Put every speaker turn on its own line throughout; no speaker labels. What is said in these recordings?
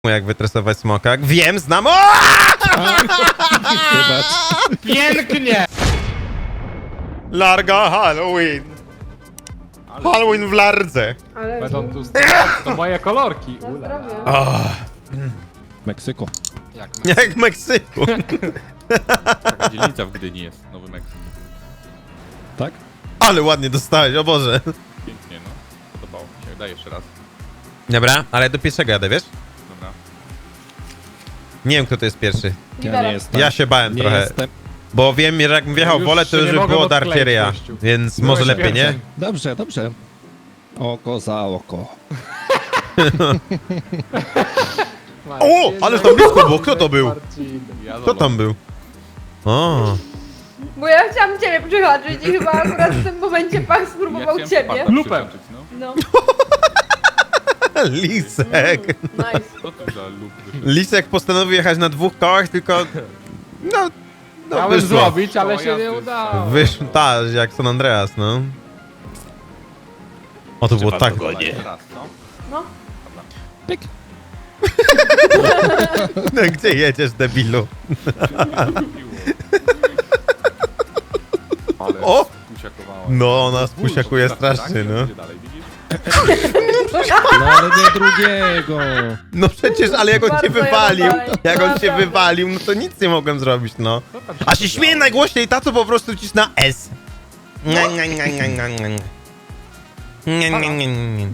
jak wytresować smoka. Wiem, znam. O!
Wybacz.
Pięknie!
Larga Halloween. Halloween w lardze.
Ale
Będą tu to moje kolorki.
na
Ula.
zdrowie.
Oh,
Meksyku.
Jak
jak w Meksyku.
Taka dzielnica w Gdyni jest, Nowy Meksyk.
Tak?
Ale ładnie dostałeś, o Boże.
Pięknie, no. Podobało mi się. Daj jeszcze raz.
Dobra, ale do pierwszego jadę, wiesz?
Dobra.
Nie wiem, kto to jest pierwszy.
Ja
Liberem.
nie jestem.
Ja się bałem
nie
trochę.
Jestem.
Bo wiem, że jakbym wjechał w
Już
wolę, to
się
już
nie
by
mogę
było
odkleić,
darcieria.
gościu.
Więc
Byłeś
może lepiej, nie?
pierwszy.
Dobrze, dobrze. Oko za oko.
O, ale tam blisko było. Kto to był?
Ja
Kto tam był? O,
Bo ja chciałam ciebie przychodzić i chyba akurat w tym momencie pan spróbował ciebie.
Lupem.
No.
No,
Lisek.
nice.
Co to za lub?
Lisek postanowił jechać na dwóch kołach, tylko... No
Chciałem
wyszło.
zrobić, ale
To
się nie
jazdy.
udało.
Wyszło, tak, jak San Andreas, no. O, to było tak ładnie.
Jeszcze raz, no.
No,
Pyk.
No, gdzie jedziesz, debilu?
Ale
O!
spusiakowała.
No, ona spusiakuje strasznie, no.
Gdzie dalej, widzisz?
No ale nie drugiego.
No przecież, ale jak on cię
Bardzo
wywalił,
ja dalej.
jak on cię
Naprawdę.
wywalił, no to nic nie mogłem zrobić, no.
Co tam
A się śmieje najgłośniej ta, co po prostu cisna S. Nie, nie, nie, nie, nie, nie. Nie, nie, nie, nie, nie.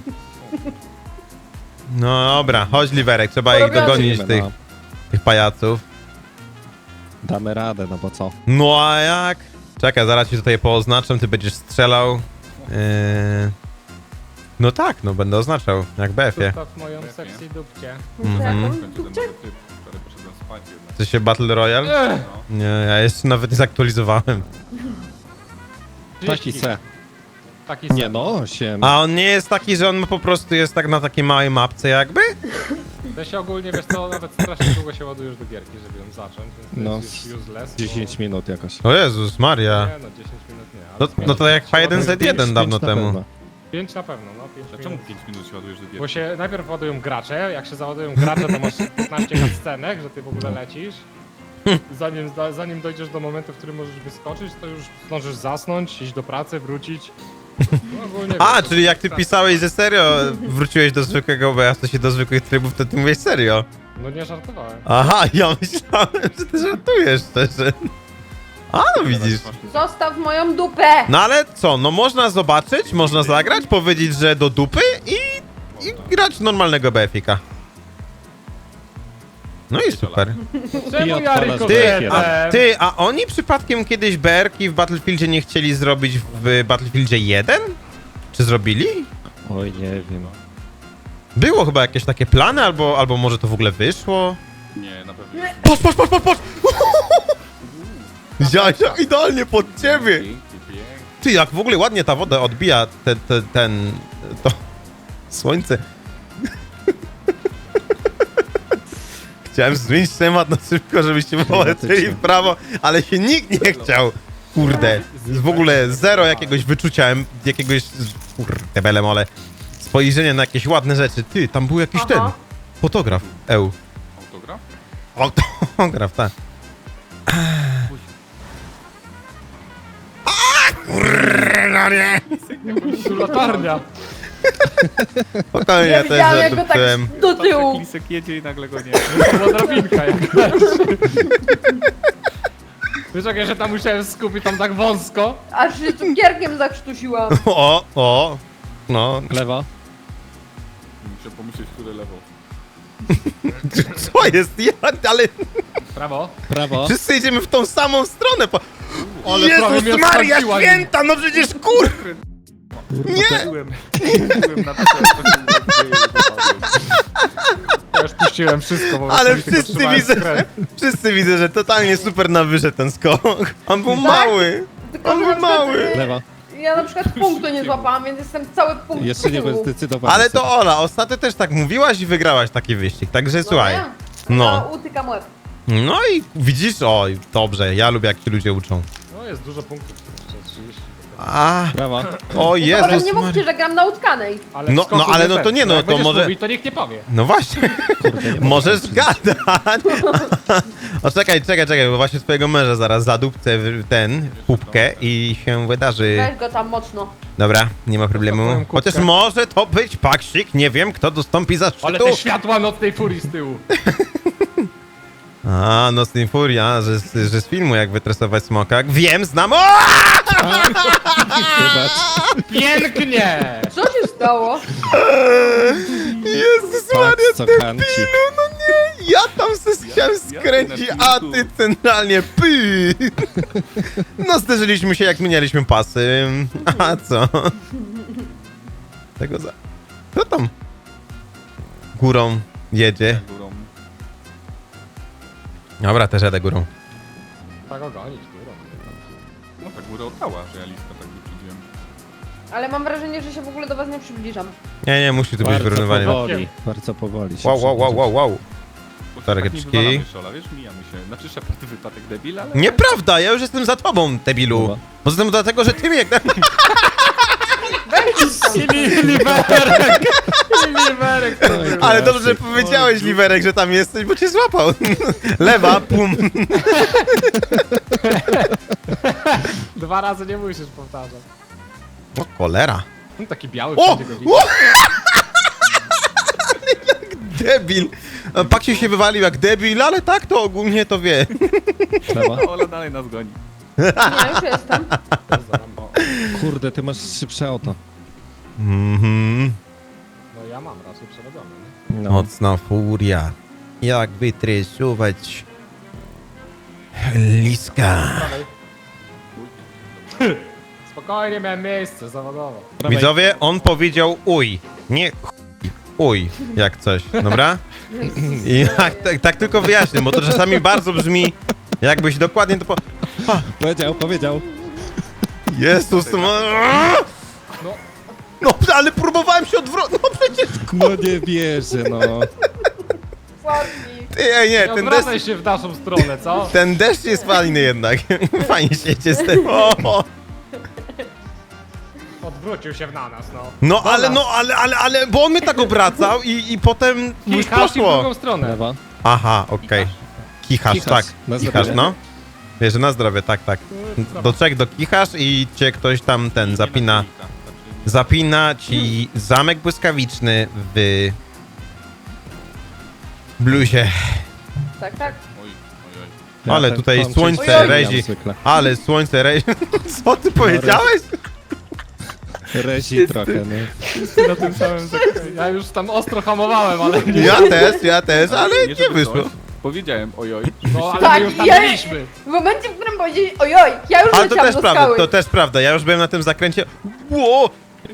No dobra, chodź Liwerek, trzeba ich
Porobione.
dogonić,
No.
tych pajaców.
Damy radę, no bo co?
No a jak? Czekaj, zaraz ci tutaj pooznaczam, ty będziesz strzelał. No tak, no będę oznaczał, jak BF-ie.
Zostaw moją sexy dupcie.
Mhm.
Będzie ten nowy typ, który poszedłem spać jednak.
Chce się Battle Royale? Nie, ja jeszcze nawet nie zaktualizowałem.
Taki se.
Taki
Nie
sen.
no, 8.
A on nie jest taki, że on po prostu jest tak na takiej małej mapce jakby?
To się ogólnie, wiesz co, nawet strasznie długo się ładujesz do gierki, żeby ją zacząć, więc to
No,
jest już useless.
10 minut jakoś.
O Jezus Maria.
Nie no, 10 minut nie.
No to jak H1Z1 dawno
na
temu.
pewno.
5 na pewno, no 5
A czemu
minut.
5 minut się ładujesz do
Bo
gierki?
się najpierw ładują gracze, jak się załadują gracze, to masz 15 cutscenek, że ty w ogóle lecisz. Zanim dojdziesz do momentu, w którym możesz wyskoczyć, to już zdążysz zasnąć, iść do pracy, wrócić. No, ogólnie
A,
wiesz,
czyli jak ty pisałeś, że serio wróciłeś do zwykłego OBS, to się do zwykłych trybów, to ty mówisz serio.
No nie żartowałem.
Aha, ja myślałem, że ty żartujesz szczerze. A, no widzisz.
zostaw moją dupę!
No ale co, no można zobaczyć, można zagrać, powiedzieć, że do dupy i grać normalnego BF-ika. No i super.
Czemu ja
odpalasz
Ty, a oni przypadkiem kiedyś BR-ki w Battlefieldzie nie chcieli zrobić w Battlefieldzie 1? Czy zrobili?
Oj, nie wiem.
Było chyba jakieś takie plany, albo może to w ogóle wyszło?
Nie, na pewno.
Patrz! Zia, idealnie pod ciebie!
Pięknie, pięknie.
Ty, jak w ogóle ładnie ta woda odbija to słońce. Chciałem zmienić temat na szybko, żebyście polecieli w prawo, ale się nikt nie chciał. Kurde, w ogóle zero jakiegoś wyczucia, jakiegoś, kurde, belemole, spojrzenia na jakieś ładne rzeczy. Ty, tam był jakiś
Aha.
ten, fotograf,
Autograf?
Autograf, tak.
Tu latarnia.
Spokojnie, ja też
widziałam, jak go tak
zadupcyłem.
do tyłu.
Lisek jedzie i nagle go nie.
To była drabinka jakaś. Wiesz jak ja się tam musiałem skupić, tam tak wąsko.
Aż się cukierkiem zakrztusiłam.
No,
Lewa.
Muszę pomyśleć, które lewo.
co jest? Ale
Prawo.
Prawo.
wszyscy idziemy w tą samą stronę.
Ale prawie
Jezus
mnie
Maria
odtrąciła
święta, no przecież kur... Nie!
Byłem na to,
Ja już puściłem wszystko, bo
Ale wszyscy widzę, że totalnie super nam wyszedł ten skok. On był mały.
Tylko,
On
że
był
na przykład,
mały.
Lewa.
ja na przykład punktu nie złapałam, więc jestem cały punkt
Jeszcze nie
tyłu.
zdecydowałem.
Ale to Ola, ostatnio też tak mówiłaś i wygrałaś taki wyścig, także słuchaj.
No.
No.
Utykam łeb.
No i widzisz, oj, dobrze, ja lubię jak ci ludzie uczą.
No jest dużo punktów, jeszcze 30.
Brawa.
O
Ale
Jezus
nie mówcie, że gram na utkanej.
Ale
No,
w skoku
no, ale no
ten.
to nie, no,
Jak
to
będziesz
może-
Mówić, to nikt nie powie.
No właśnie, możesz gadać. O, czekaj, bo właśnie twojego męża zaraz zadupcę w ten, w pupkę i się wydarzy.
Weź go tam mocno.
Dobra, nie ma problemu.
Zapałem kubkę.
Chociaż może to być paksik, nie wiem, kto dostąpi
Ale
zaszczytu.
te światła nocnej furii z tyłu.
A, Nocny Furia, że z filmu jak wytresować smoka. Wiem, znam. O!
Wybacz.
Pięknie!
Co się stało?
Jezus
Patrz,
Maria,
co
debilu,
kanci.
no nie. Ja tam se chciałem skręcić, a ty centralnie py. No zderzyliśmy się jak mieliśmy pasy. A co? Tego za... Kto tam górą jedzie?
Górą.
Dobra, też jadę górą.
Tak ogonić, kurwa.
No tak górę oddała, że ja listę tak wyprzedziłem.
Ale mam wrażenie, że się w ogóle do was nie przybliżam.
Nie, musi tu być
Bardzo
wyrównywanie.
powoli. Bardzo powoli się
Wow.
Bo
Targetczki.
tak nie wywalamy Szola, wiesz, mijamy się. Znaczy Shepard wypadek debil, ale...
Nieprawda, ja już jestem za tobą, debilu.
Dobra.
Poza tym dlatego, że ty mnie jak...
Liberek! Liberek! to był.
Ale dobrze, że powiedziałeś, Liwerek, że tam jesteś, bo cię złapał. Lewa, pum.
2 razy nie musisz powtarzać.
O, cholera.
No, taki biały
O!
wszędzie go widzi.
O! Jak debil. Paksiu się wywalił jak debil, ale tak to ogólnie to wie.
Brawa.
Ola dalej nas goni.
Nie, już jestem.
Kurde, ty masz szybsze auto.
Mhm.
No ja mam raz przerobiony.
No.
Mocna furia. Jak wytresować liska.
Spokojnie, miałem miejsce zawodowo.
Prawej.
Widzowie, on powiedział uj, nie chuj, uj, jak coś, dobra? I tak tylko wyjaśnię, bo to czasami bardzo brzmi, jakbyś dokładnie to po...
Powiedział.
Jezus,
No,
no ale próbowałem się odwrócić, no przecież,
No nie wierzę, no.
Ładni.
ty, ej, nie,
nie
ten
odwracaj
deszcz,
się w naszą stronę, co?
ten deszcz jest fajny jednak, fajnie się jedzie z tym, o.
Odwrócił się na nas, no.
No ale, bo on mnie tak obracał i potem już
Kichasz i w
poszło.
drugą stronę.
Brawa.
Aha, okej. Kichasz,
Kichasz,
tak.
na
Kichasz,
zdrowie.
no. Wiesz, że na zdrowie, tak. Do trzech dokichasz i cię ktoś tam zapina. Zapina ci zamek błyskawiczny w bluzie.
Tak.
Oj.
Ja
Ale
ten
tutaj
pączek
słońce
ściągam
rezi.
zwykle.
Ale słońce rezi. Co ty powiedziałeś?
Rezi trochę, no.
Ty na tym samym zakręcie. Ja już tam ostro hamowałem, ale nie.
Ja też, ale nie
żeby
wyszło.
coś. Powiedziałem ojoj.
No, ale
Tak,
my już tam
ja-
byliśmy.
W momencie, w którym powiedzieli ojoj, ja już
Ale to
leciałam
też
do
prawda,
skały.
to też prawda. Ja już byłem na tym zakręcie. Ło!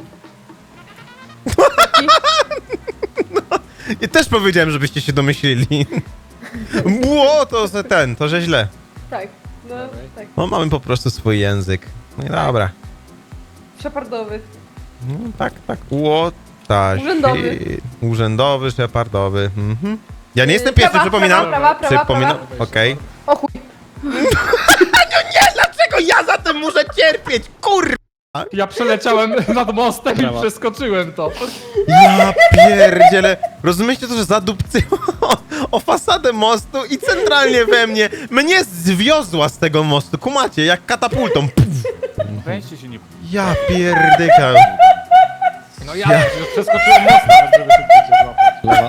I też powiedziałem, żebyście się domyślili. Ło, to że źle.
Tak, no tak.
No mamy po prostu swój język. No i dobra.
Szepardowy.
No, tak. Ło, ta
Urzędowy.
Urzędowy, szepardowy. Mhm. Ja nie jestem pierwszy,
Prawa,
przypominam.
prawa,
Przypominam,
prawa.
okej.
O chuj.
Dlaczego ja za tym muszę cierpieć, kur...
Ja przeleciałem nad mostem i
Brawo.
przeskoczyłem to.
Ja pierdzielę. Rozumiecie to, że zadupcyło o fasadę mostu i centralnie we mnie zwiozła z tego mostu. Kumacie, jak katapultą. Puf.
Weźcie się nie...
Ja pierdykam.
No ja już przeskoczyłem most nawet, żeby szybciej cię złapać.
Lewa.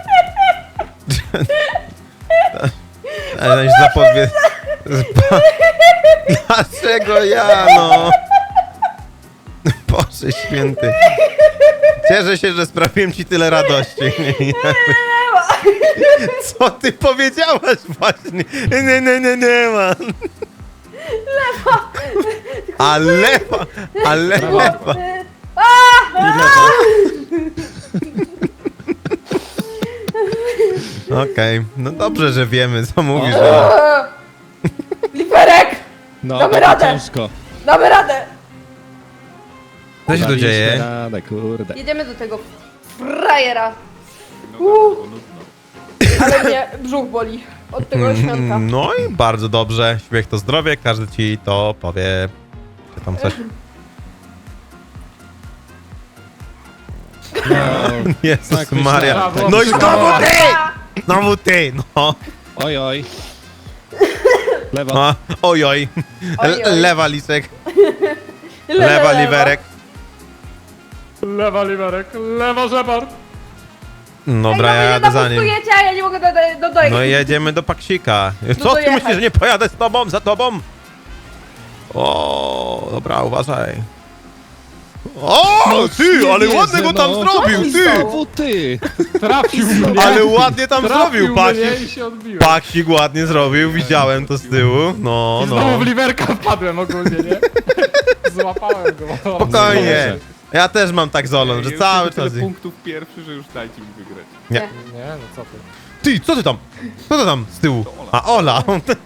Ale zapowie... Dlaczego ja, no? Boże święty. Cieszę się, że sprawiłem ci tyle radości. Co ty powiedziałaś właśnie? Nie ma. A lewa.
I lewa.
Okej, no dobrze, że wiemy, co mówisz.
Liberek!
No,
Damy
będzie
radę.
ciężko.
Damy radę!
Co się tu
Daliśmy
dzieje?
radę, kurde.
Jedziemy do tego frajera.
No tak, było nudno.
Ale mnie brzuch boli od tego świątka.
No i bardzo dobrze. Śmiech to zdrowie, każdy ci to powie. Czy tam coś. Jezus
Tak myślałem.
Maria.
Brawo,
No i
brawo.
znowu ty! Znowu ty, no.
Oj, oj. Lewa.
A, ojoj.
Oj, oj.
Lewa lisek, lewa liwerek.
Lewa liwerek, lewa żebar.
Dobra, ja
Ej,
jadę za nim.
napustujecie, a ja nie mogę dojechać.
No i jedziemy do Paksika. Co ty
dojechać.
myślisz, że nie pojadę z tobą, za tobą? O, dobra, uważaj. O, ty,
Nie
ale
wierzę,
ładnie go tam
no.
zrobił, ty!
Znowu ty.
Trafił mnie.
Ale ładnie tam
Trafił
zrobił,
mnie
Paksik.
i się odbiłem.
Paksik ładnie zrobił, widziałem to z tyłu. No,
I znowu
no.
w liwerka wpadłem ogólnie, nie? Złapałem go.
Spokojnie. Ja też mam tak z Olą, że
Ja
cały
już tyle
czas...
punktów pierwszy, że już dajcie mi wygrać.
Nie.
Nie, no co ty.
Ty, co ty tam? Co to tam z tyłu? A, Ola!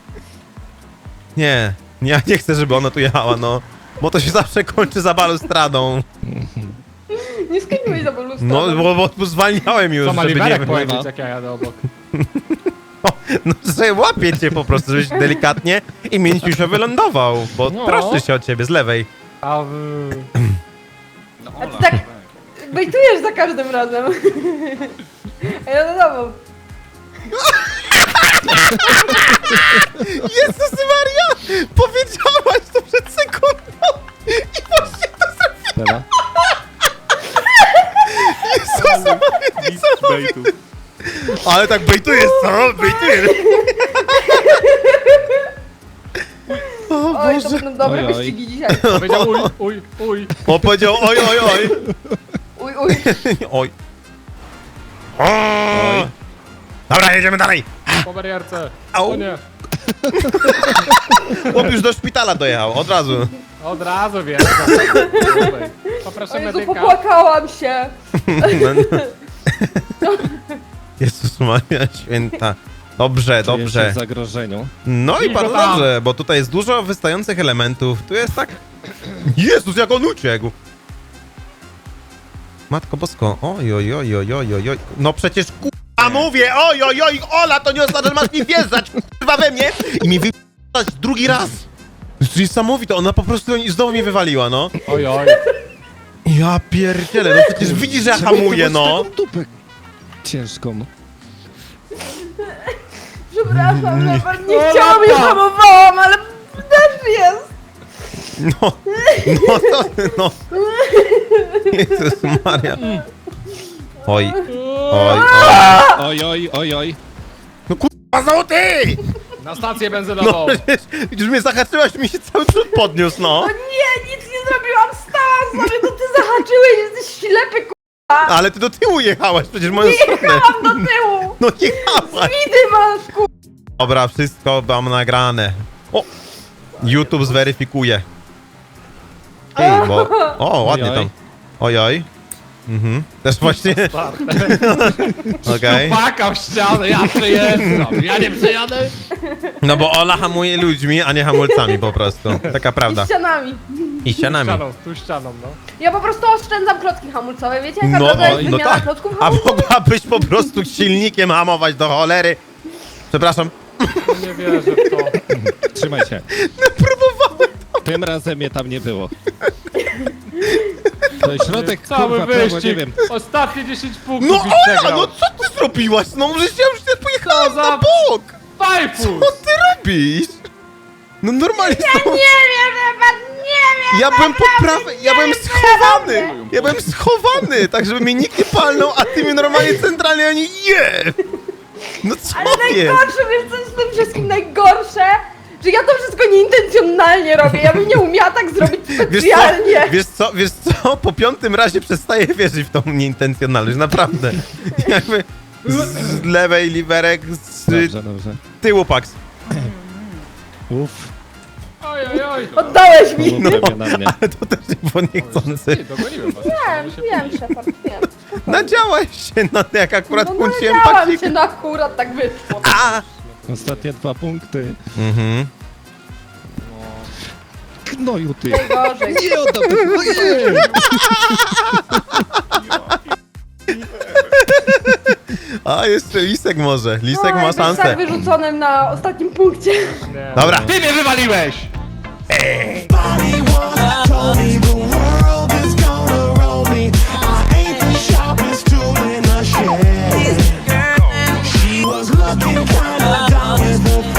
Nie, ja nie chcę, żeby ona tu jechała, no. Bo to się zawsze kończy za balustradą.
Nie skończyłeś za balustradą.
No, bo zwalniałem już,
Co ma
żeby nie...
liwerek powiedzieć, jak ja jadę obok?
No, że łapię cię po prostu, żebyś delikatnie i mięciusio wylądował, bo
No.
troszczy się od ciebie z lewej.
A
No
A ty tak bejtujesz za każdym razem. A ja do domu.
Jezus Maria! Powiedziałaś to przed sekundą i właśnie to zrobiłem!
Lewa.
Jezus Maria, niesamowite! Ale tak bejtujesz, co? Bejtujesz! O
Oj, to
Boże!
będą dobre
Oj, oj.
wyścigi dzisiaj.
powiedział uj.
O, powiedział oj, oj, oj!
Uj, uj.
Oj. Oj. Dobra, jedziemy dalej!
Po barierce.
Au.
O nie.
Chłop już do szpitala dojechał, od razu.
Od razu wiem. Poproszę
O Jezu,
medyka.
popłakałam się.
Jezus Maria Święta. Dobrze,
Czuję się
dobrze.
w zagrożeniu.
No i
I
bardzo
go tam.
dobrze, bo tutaj jest dużo wystających elementów. Tu jest tak... Jezus, jak on uciekł! Matko Bosko, oj, oj, oj, oj, oj, oj, oj. No przecież kurwa mówię, oj, oj, oj, Ola, to nie oznacza, że masz mi wjeżdżać, kurwa we mnie i mi wyjeżdżać drugi raz. To jest niesamowite, ona po prostu znowu mnie wywaliła, no.
Oj.
Ja pierdzielę, no przecież widzisz, że ja hamuję, no.
Taką dupę ciężką.
Przepraszam, Leopard, nie
O,
chciałam, nie
lata.
hamowałam, ale też jest.
No, no. Jezus Maria. Oj, oj, oj.
Oj, oj, oj, oj.
No kurwa, znowu ty!
Na stację
No
benzynową.
przecież, już mnie zahaczyłaś, mi się cały przód podniósł, no.
No nie, nic nie zrobiłam, stałam sobie, to ty zahaczyłeś, jesteś ślepy, k***a.
Ale ty do tyłu jechałaś, przecież w moją stronę.
Jechałam do tyłu.
No jechałaś.
Widy masz, k***a.
Dobra, wszystko mam nagrane. O! YouTube zweryfikuje. Ej, bo... O, ładnie
Ojoj.
tam. Ojoj. Mhm. Też właśnie... Okej.
Paka w ścianę, ja przejeżdżam. Ja nie przejadę.
No bo Ola hamuje ludźmi, a nie hamulcami po prostu. Taka prawda.
I ścianami.
I ścianami.
Tu ścianą, no.
Ja po prostu oszczędzam klocki hamulcowe, wiecie? Jaka
No,
droga jest
no
wymiana
tak.
klocków
A
hamulcowych?
mogłabyś po prostu silnikiem hamować do cholery. Przepraszam.
Nie wierzę w to.
Trzymaj się.
Próbowałem.
Tym razem mnie tam nie było. To jest środek,
Cały
kurwa, prawo, nie
wyścig.
wiem.
Ostatnie 10 punktów
No
i
Ola,
przegrał.
no co ty zrobiłaś? No przecież ja już nie pojechałem
Co za-
na bok.
Fajfus!
Co ty robisz? No normalnie
Nie wiem, Leopard, nie wiem.
ja byłem po prawej, ja byłem schowany! Ja byłem schowany, tak żeby mnie nikt nie palnął, a ty mnie normalnie centralnie ani je! No co
Ale
jest?
najgorsze, wiesz co jest w tym wszystkim najgorsze? Że ja to wszystko nieintencjonalnie robię, ja bym nie umiała tak zrobić specjalnie.
Wiesz co? Po piątym razie przestaję wierzyć w tą nieintencjonalność, naprawdę. Jakby z lewej liwerek, z
Dobrze, dobrze.
tyłu Pax.
Uff.
Oj.
Oddałeś mi.
Było prawie na mnie.
Ale to też nie było niechcący.
Ty, dogoniłem was.
Wiem, Shepard, wiem.
Nadziałaś się na to, jak akurat
No
kłóciłem
nadziałam
Paxika.
się, no akurat tak wyszło.
A!
Ostatnie 2 punkty.
Mhm.
Knoju ty.
Najgorzej.
Nie oddam tego. Nie.
A, jeszcze Lisek może. Lisek
No,
ma
jakbyś
szansę.
tak wyrzuconym na ostatnim punkcie.
Nie.
Dobra.
Ty mnie wywaliłeś!
Told me the world is gonna roll me. I ain't the sharp Down with the